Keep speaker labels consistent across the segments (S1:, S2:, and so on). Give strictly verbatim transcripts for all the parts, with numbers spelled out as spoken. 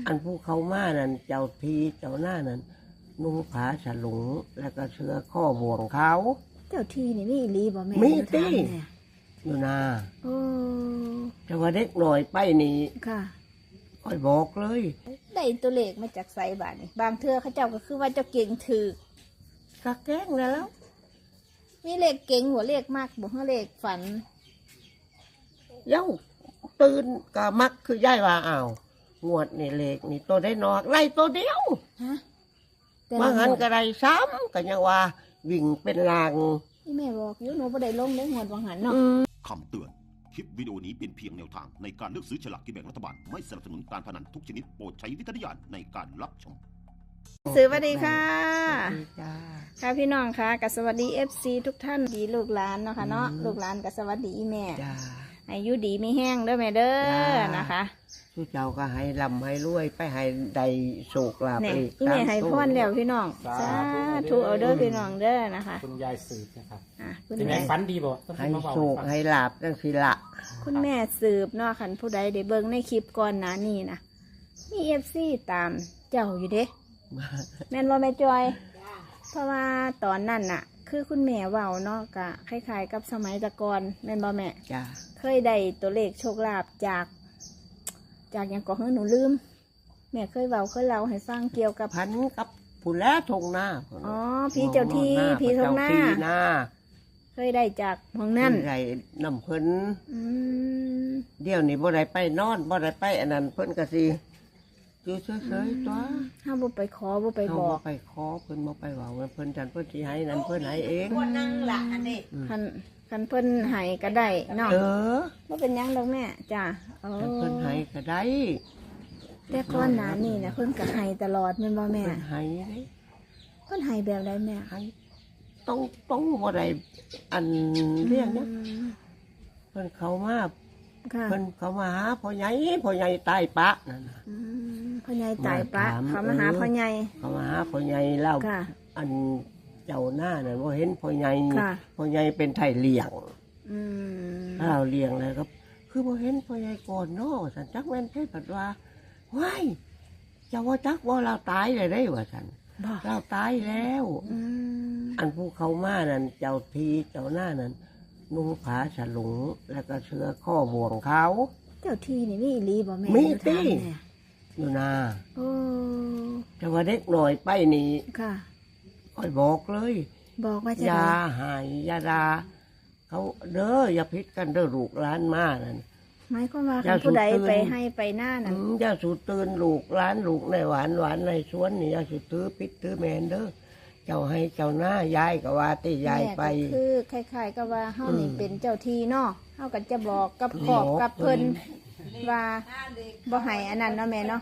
S1: อันผู้เขามานั่นเจ้าทีเจ้าหน้านั่นนุ่งผ้าฉลุงแล้วก็เสื้อข้อบ่วงเขา
S2: เจ้าที่นี่มีอีหลีบ่แม่
S1: มีติ
S2: เนี่ย
S1: อยู่นา
S2: โอ้
S1: แต่ว่าเด็กหน่อยไปนี่
S2: ค่ะ
S1: ค่อยบอกเลย
S2: ได้ตัวเลขมาจากไสบาทนี่บางเทื่อเขาเจ้าก็คือว่าเจ้าเก่งถือก
S1: ะแกล้งแล้ว
S2: มีเลขเก่งหัวเลขมากบ่ฮะเลขฝัน
S1: เย้าตื่นก็มักคือย่ายว่าอ้าวงวดนี่เลขนี่ตัวได้นอกไล่ตัวเดียว
S2: ฮะแต่
S1: มา
S2: ละ
S1: หัน
S2: งวด
S1: ก็ได้ซ้ำก็ยังว่าวิ่งเป็นลาง
S2: นี่แม่บอกอยู่หนูบ่ได้ลงได้งวดบางหันเนาะ
S3: คำเตือน คลิปวิดีโอนี้เป็นเพียงแนวทางในการเลือกซื้อฉลากกินแบ่งรัฐบาล ไม่สนับสนุนการพนันทุกชนิดโปรดใช้วิจารณญาณในการรับชม
S2: สวัสดีค่ะ
S1: จ้า
S2: ค่ะพี่น้องค่ะกับสวัสดี เอฟ ซี ทุกท่านดีลูกหลานเนาะค่ะเนาะลูกหลานกับสวัสดีอีแม่
S1: จ้า
S2: อายุดีมีแห้งเด้อแม่เด้อ
S1: จ้าน
S2: นะคะ
S1: ผู้เจ้าก็ให้ลำให้รวยไปให้ได้โศกลาภ
S2: เนี่ย
S1: อีก
S2: อีแม่ให้พรแล้วพี่น้องสาธุเอาเด้อพี่น้องเด้อนะคะ
S4: คุณยายสืบนะครับ
S2: อ่ะคุณ
S4: เป็นไง
S2: แม่
S4: ฝันดีบ่ต้อง
S1: ให้
S4: มาบอก
S1: โศกให้ลาบจังสิละ
S2: คุณแม่สืบเนาะคันผู้ใดได้เบิ่งในคลิปก่อนหน้านี้นะมีเอฟซีตามเจ้าอยู่เด้แม่นบ่แม่จอย เพราะว่าตอนนั้นน่ะ คือคุณแม่เว้าเนาะกะคล้ายๆกับสมัยแตะก่อนแม่นบ่แม่
S1: จ้า
S2: เคยได้ตัวเลขโชคลาภจาก จากอย่างก่อเฮ้หนูลืม แม่เคยเว้าเคยเล่าให้ฟังเกี่ยวกับ
S1: พันกับผู้แล้วทงหน้า
S2: อ๋อผีเจ้าที่ผีทงหน้า
S1: เจ้ที่หน้า
S2: เคยได้จากหองนั่น
S1: ไรน้ำเพิ่น
S2: อืม
S1: เดี๋ยวนี้บ่ได้ไปนอนบ่ได้ไปอันนั้นเพิ่นก็สิอยู่เฉยๆตัว
S2: ห้ามบ่ไปขอบ่ไป
S1: เฮา
S2: บอก
S1: ไปขอเพิ่นบ่ไปเว้าเพิ่นจันเพิ่นสิให้นั่นเพิ่นให้เอง
S2: คันคันเพิ่นให้ก็ได้เนาะ
S1: เออ
S2: บ่เป็นหยังดอกแม่จ้ะโอ้
S1: แต่เพิ่นให้ก็ได้
S2: แต่ก่อนหน้านี้นะเพิ่นก็ให้ตลอดแม่นบ่แม่
S1: เพิ่นให้เด้
S2: เพิ่นให้แบบใดแม่
S1: ให้ต้องต้องบ่ได้อันเรียกนะ
S2: อืม
S1: เพิ่นเข้ามา
S2: ค่ะ
S1: เพิ่นเข้ามาหาพ่อใหญ่พ่อใหญ่ตายปะนั่นน่ะ
S2: อืมพ่อใหญ่ตายปะ
S1: มาถาม
S2: เขามาหา
S1: เออ
S2: พ่อใหญ่
S1: เข้ามาหาพ่อใหญ่เล่า
S2: ค่ะ
S1: อันเจ้าหน้านั่นบ่เห็นพ่อใหญ่
S2: ค่ะ
S1: พ่อใหญ่เป็นไทยเลี้ยง
S2: อืม
S1: ถ้าเราเลี้ยงเลยครับ คือบ่เห็นพ่อใหญ่ก่อนเนาะสันจักแม่นเพิ่นปัดว่าว้ายเจ้าว่าจักว่าเราตายเลยได้ว่าสัน
S2: บ่
S1: เราตายแล้ว
S2: อืม
S1: อันผู้เขามานั่นเจ้าทีเจ้าหน้านั่นนุ่งผ้าฉลุงแล้วก็เสื้อข้อบ่วงเขา
S2: เจ้าที่นี่มีอีหลีบ่แม่
S1: มีติ
S2: ถาแม่
S1: อยู่นา
S2: โอ้
S1: แต่ว่าเด็กหน่อยไปนี่
S2: ค่ะ
S1: ค่อยบอกเลย
S2: บอกว่าจะ
S1: อย่า
S2: ได้
S1: หายอย่าดาเขาเด้ออย่าพิษกันเด้อลูกหลานมานั่น
S2: หมายความว่า
S1: อย่า
S2: คันผู้ใด
S1: สูดตื่น
S2: ไปให้ไปหน้านั่
S1: อื
S2: น
S1: มอย่าสูดตื่นลูกหลานลูกในหวานหวานในสวนนี่อย่าสูดตื้อพิษตื้อแมนเด้อเจ้าให้เจ้าหน้ายายก็ว่าติยายไป
S2: แม่ก็คือคล้ายๆกับว่าเฮานี่
S1: อืม
S2: เป็นเจ้าที่เนาะเฮาก็จะบอกกับ
S1: บอก
S2: ขอบกับเพิ่น
S1: เพิ่
S2: ว่าบ่ให้อันนั้นเนาะแม่เนาะ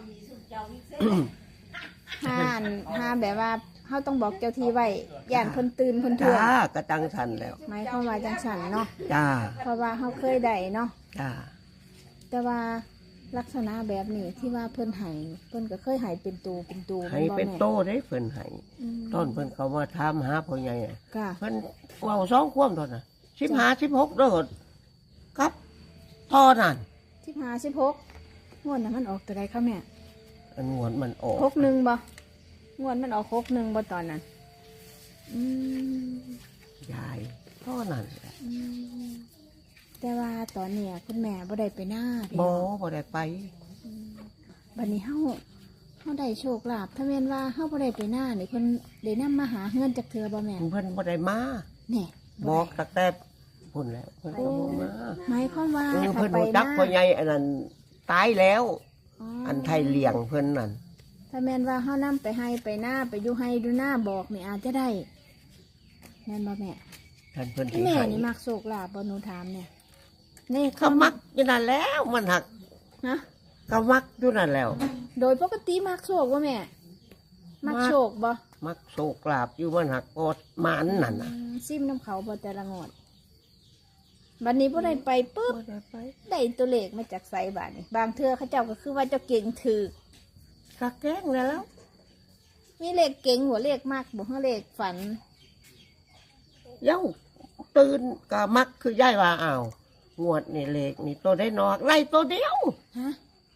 S2: ห้านห้าแบบว่าเฮาต้องบอกเจ้าที่ไว้ย่านเพิ่นตื่นเพิ่นทว
S1: จ้าง กระตังทันแล้ว
S2: หมายความว่าจังซั่นเนาะ
S1: จ้า
S2: เพราะว่าเฮาเคยได้เนาะ
S1: จ้า
S2: แต่ว่าลักษณะแบบนี้ที่ว่าเพิ่นให้เพิ่นก็เคยให้เป็นตูเป็นตู
S1: ให้
S2: บ่
S1: เป็น
S2: แม่
S1: โตได้เพิ่นให้
S2: อืม
S1: ตอนเพิ่นเขามาถามหาพ่อใหญ่อะ
S2: ค่ะ
S1: เพิ่นเว้าสองความตอนน่ะสิบห้าสิบหกเด้อครับทอนั่น
S2: สิบห้า สิบหกงวดน่ะมันออกตัวใดคะแม่
S1: อันงวนมันออก
S2: หกหนึ่งบ่งวดมันออกหกหนึ่งบ่ตอนนั้นอืม
S1: ยายทอนั่นแหละ
S2: อืมแต่ว่าตอนเนี้ยคุณแม่บ่ได้ไปหน้าพี่
S1: บ่
S2: น้อง
S1: บ่ได้ไป
S2: บัดนี้เฮาเฮาได้โชคลาภถ้าแม่นว่าเฮาบ่ได้ไปหน้านี่เพิ่นได้นำมาหาเฮือนจักเทื่อบ่แม่
S1: เพิ่นบ่ได้มา
S2: แหน่
S1: บอกตั้งแต่พุ่นแล้วเพิ่นก็บ่มา
S2: หมายความว่า
S1: เออ
S2: ถ้า
S1: เพิ่น
S2: ไป
S1: รู้
S2: ห
S1: จัก
S2: น้า
S1: พ่อใหญ่อันนั้นตายแล้ว
S2: อ๋อ
S1: อันไทยเลี้ยงเพิ่นนั่น
S2: ถ้าแม่นว่าเฮานำไปให้ไปหน้าไปอยู่ให้ดูหน้าบอกนี่อาจจะได้แม่นบ่แม่
S1: ท่านเพิ่นสิ
S2: แม่
S1: ให้
S2: นี่มักโชคลาภบ่หนูถามเนี่ยนี่
S1: เขามักอยู่นั่นแล้วมันหัก
S2: นะ
S1: ก็มักอยู่นั่นแล้ว
S2: โดยปกติมักโชคบ่แม่ มักโชคบ่
S1: มักโศกลาบอยู่มันหักกอดหมันนั่นน่ะ
S2: อืมซิมน้ำเขาบ่แต่ละงวดบัดนี้บ่ได้ไปปุ๊บ
S1: บ่ได้ไป
S2: ได้ตัวเลขมาจากไสบาดนี่บางเทื่อเขาเจ้าก็คือว่าเจ้าเก่งถือก
S1: ะแกล้งแล้ว
S2: มีเลขเก่งหัวเลขมากบ่ฮะเลขฝัน
S1: เย้าตื่นก็มักคือย่ายว่าอ้าวงวดนี่เลขนี่ตัวได้นอกไล่ตัวเดียว
S2: ฮะ
S1: ม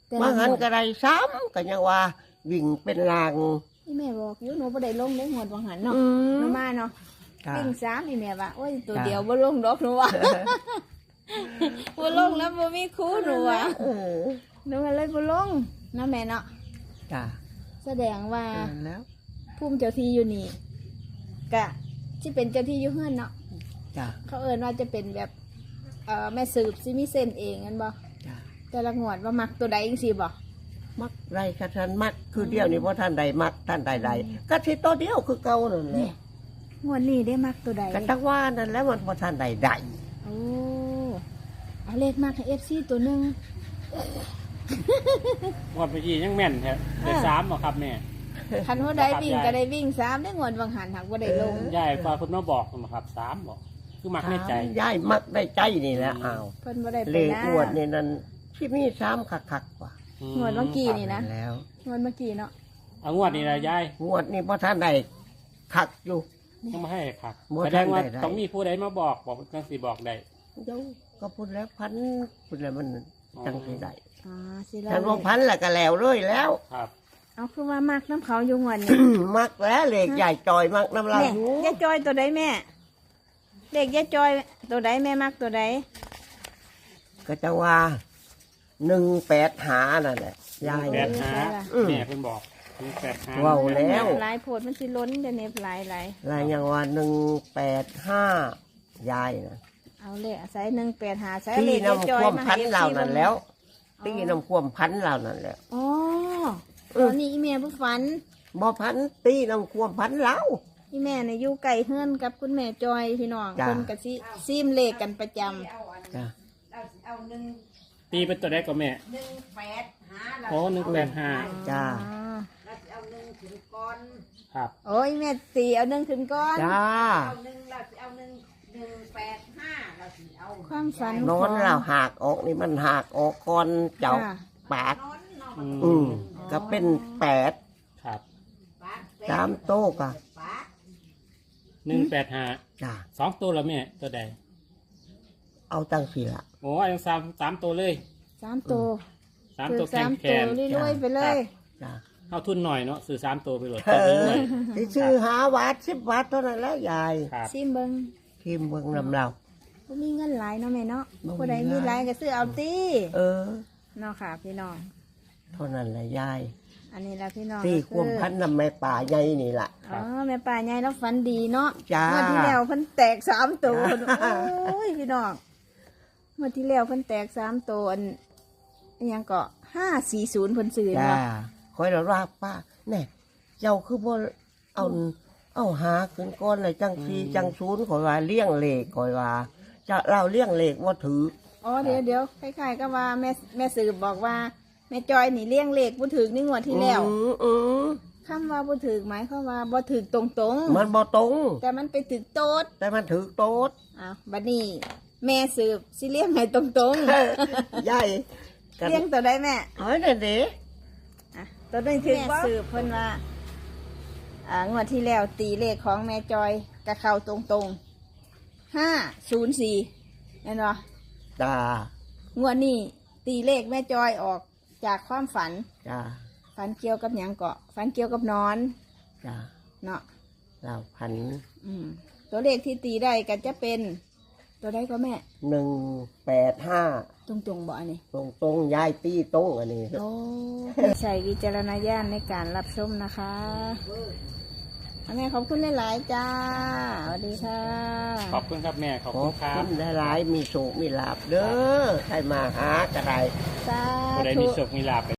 S2: แต่
S1: มา
S2: ละ
S1: หัน
S2: งวด
S1: ก็ได้ซ้ำก็ยังว่าวิ่งเป็นลาง
S2: นี่แม่บอกอยู่หนูบ่ได้ลงได้งวดวังหันเนาะ
S1: อืม
S2: หนูมาเนาะ
S1: จ้ะ
S2: วิ่งสามนี่แม่ว่าโอ้ยตัว
S1: จ้ะ
S2: เดียวบ่ลงดอกหนูว่า บ่ลงแล้วบ่มีครูหนูว่า
S1: เออ
S2: หนูก็เลยบ่ลงเนาะแม่เนาะ
S1: จ้ะ
S2: แสดงว่า
S1: เออแล้ว
S2: ภูมิเจ้าที่อยู่นี่กะที่เป็นเจ้าที่อยู่เฮือนเนาะ
S1: จ้ะ
S2: เขาเอิ้นว่าจะเป็นแบบเอ่อแม่สืบสิมีเส้นเองงั้นบ่
S1: จ้ะ
S2: แต่ละงวดว่ามักตัวใดจังซี่บ่
S1: มักไรกระทันมักคือเดียวนี่เพราะท่านใดมักท่านใดใดก็ที่ตัวเดียวคือเก่านั่นแหละ
S2: งวดนี้ได้มักตัวใด
S1: กันตั้งว่านั่นแล้วมันเพราะท่านใดใด
S2: โอ้เอาเลขมากให้ เอฟ ซี ตัวหนึง
S4: งวดเมื่อกี้ยังแม่นแท้ได้สามเหรอครับแม่
S2: คันหัวใดวิ่งก็ได้วิ่งสามได้งวดวังหันหักบ่ได้ลง
S4: ยายฟ้าคุณมาบอกมาครับสามบอกคือมักในใจ
S1: ยายมักได้ใจนี่แหละอ้าว
S2: เพิ่นบ่ได้ไป
S1: เลข
S2: นะ
S1: อวดนี่นั่นที่มีซ้ำคักคักๆกว่า
S2: งวดเมื่อกี้นี่นะ
S1: แล้ว
S2: งวดเมื่อกี้เนาะ
S4: เอางวดนี้นะยาย
S1: งวดนี่เพราะท่านใดคักอยู่
S4: ต้องมาให้ครับ
S1: บ่
S4: แสดงว่า
S1: ทันได้
S4: ต้องมีผู้ใดมาบอกบอกจังสีบอกได้
S1: เดี๋ยวก็พูดแล้วพันพูดแล้วมันจังสิได้
S2: อ๋อสิเรา
S1: ท่านว่าพันแล้วก็แล้วเลยแล้ว
S4: ครับ
S2: เอาคือว่ามักน้ำเขาอยู่งวดนี้
S1: มักแล้วเลขใหญ่จอยมักน้ำลาย
S2: แม่ยายจอยตัวใดแม่เลขยายจอยตัวใดแม่มักตัวใด
S1: ก็จะว่าหนึ่งแปดหานั่นแหละยาย
S4: แปดหา
S1: อืม
S4: แม่เพิ่นบอกถึงแปดหา
S1: ว้าว แล้ว
S2: หลายโพดมันสิล้นเดี๋ยวนี้หลายหลาย
S1: ลายยังว่าหนึ่งแปดห้ายายนะ
S2: เอาเลขใส่หนึ่งแปดหาใส่
S1: ตี
S2: เลขยายจ
S1: น้ำ
S2: อย
S1: ความ
S2: มา
S1: พั
S2: ให้
S1: น
S2: เอฟ
S1: เหล่า
S2: ซี
S1: นั้นแล้วตีน้ำความพันเหล่านั้นแล้ว
S2: อ๋อตอนนี้อีแม่ผู้ฝัน
S1: บ่พันตีน้ำความพันเหล่า
S2: อีแม่เนี่ยอยู่ไก่เฮือนกับคุณแม่จอยพี่น้อง
S1: จ้ะ
S2: เพิ่นกะสิซีมเลขกันประจำ
S1: จ้ะ
S4: ตีเป็นตัวใดก็แม่โอ้หนึ่งแปดห้า
S1: จ้า
S2: อ๋อ
S4: ครับ
S2: โอ้ยแม่ตีเอาหนึ่งขึ้นก่อน
S1: จ้า
S2: ความฝัน
S1: นอนเราหากออกนี่มันหากออกก่อนเจ้า
S2: ค่ะ
S1: ปาก
S4: อืม
S1: อืมก็เป็นแปด
S4: ครับ
S1: สามโต๊ะก็
S4: หนึ่งแปดห้า
S1: จ้า
S4: สองตัวแล้วแม่ตัวใด
S1: เอาตั้งสี่ละ
S4: โอ้ยยังสามสามตัวเลย
S2: สามตัว
S4: สาม
S2: คือ
S4: ตัวแข็
S2: สาง ม
S4: แข
S2: ตัวน รวยๆไปเลย
S1: จ้า
S4: เอาทุนหน่อยเนาะซื้อสามตัวไปโหลด
S1: เอ
S4: ตัว
S1: อ
S4: นี้เลย
S1: ที่ชื่อหาวัดสิบบาทเท่านั้นแหล้ว ยาย
S4: ครับ
S2: ซิมเบิง
S1: ทีมเบิ่งนำเรา
S2: บ่มีเงินหลายเนาะแม่เนาะ
S1: บ่มี
S2: ผู้ใดมีหลายก็ซื้อเอาตี
S1: เออ
S2: เนาะค่ะพี่น้อง
S1: เท่านั้นแหละยาย
S2: อันนี้ละพี่น้อง
S1: ตี
S2: ก็
S1: ความ
S2: คือ
S1: พันนำแม่ป่าใหญ่นี่ล่ะ
S2: อ๋อแม่ป่าใหญ่แล้วฝันดีเนาะ
S1: จ้า
S2: เมื่อที่แล้วเพิ่นแตกสามตัว
S1: จ้า
S2: โอ้ยพี่น้องเมื่อที่แล้วเพิ่นแตกสามตัวอันอันหยังก็ห้าสี่ศูนย์เพิ่นซื้อ
S1: จ้า
S2: เนาะ
S1: คอยเราราป้าแน่เจ้าคือบ่เอาเอาหาขึ้นก้อนเลยจังสีจังศูนย์คอยว่าเลี้ยงเลขคอยว่าจะเราเลี้ยงเลขว่าถือ
S2: อ๋อเดี๋ยวเดี๋ยวคล้ายๆก็ว่าแม่แม่สืบบอกว่าแม่จอยนี่เลี้ยงเลขบ่ถึกนี่งวดที่แล้ว
S1: อืมอืม
S2: คำว่าบ่ถึกหมายความว่าบ่ถึกตรง
S1: มันบ่ตรง
S2: ๆ แต่มันไปถึกโต๊ด
S1: แต่มันถือโต๊ด
S2: อ้าวบัดนี้ แม่สืบสิเลี้ยงให้ตรง
S1: ใหญ่
S2: ๆ เลี้ยงตัวได้แม่
S1: เฮ้ยเด็ดเด็
S2: อ่ะตัวนึงถึกแม่สืบเพิ่นว่าอ่างวดที่แล้วตีเลขของแม่จอยกะเข้าตรงๆห้าศูนย์สี่เห็นบ่
S1: จ้าง
S2: วดนี้ตีเลขแม่จอยออกจากความฝัน
S1: จ้า
S2: ฝันเกี่ยวกับหยังเกาะฝันเกี่ยวกับนอน
S1: จ้า
S2: เนาะ
S1: เราพัน
S2: อืมตัวเลขที่ตีได้ก็จะเป็น ตัวใดก็แม่
S1: หนึ่งแปดห้า
S2: ตรงๆบ่อันนี้
S1: ตรงตรงๆยายตีตรงอันนี้
S2: โอ้ใส่วิจารณญาณในการรับชมนะคะอันนี้ขอบคุณหลายๆจ้าสวัสดีค่ะ
S4: ขอบคุณครับแม่ขอบ
S1: ขอ
S4: คุ
S1: บ
S4: ณครั
S1: คุ
S4: บ
S1: ณหลายๆมีโชคมีลาบเด้อใครมาหากระได
S2: สา
S4: ผู้ใด
S2: ธุ
S4: มีโชคมีลาภ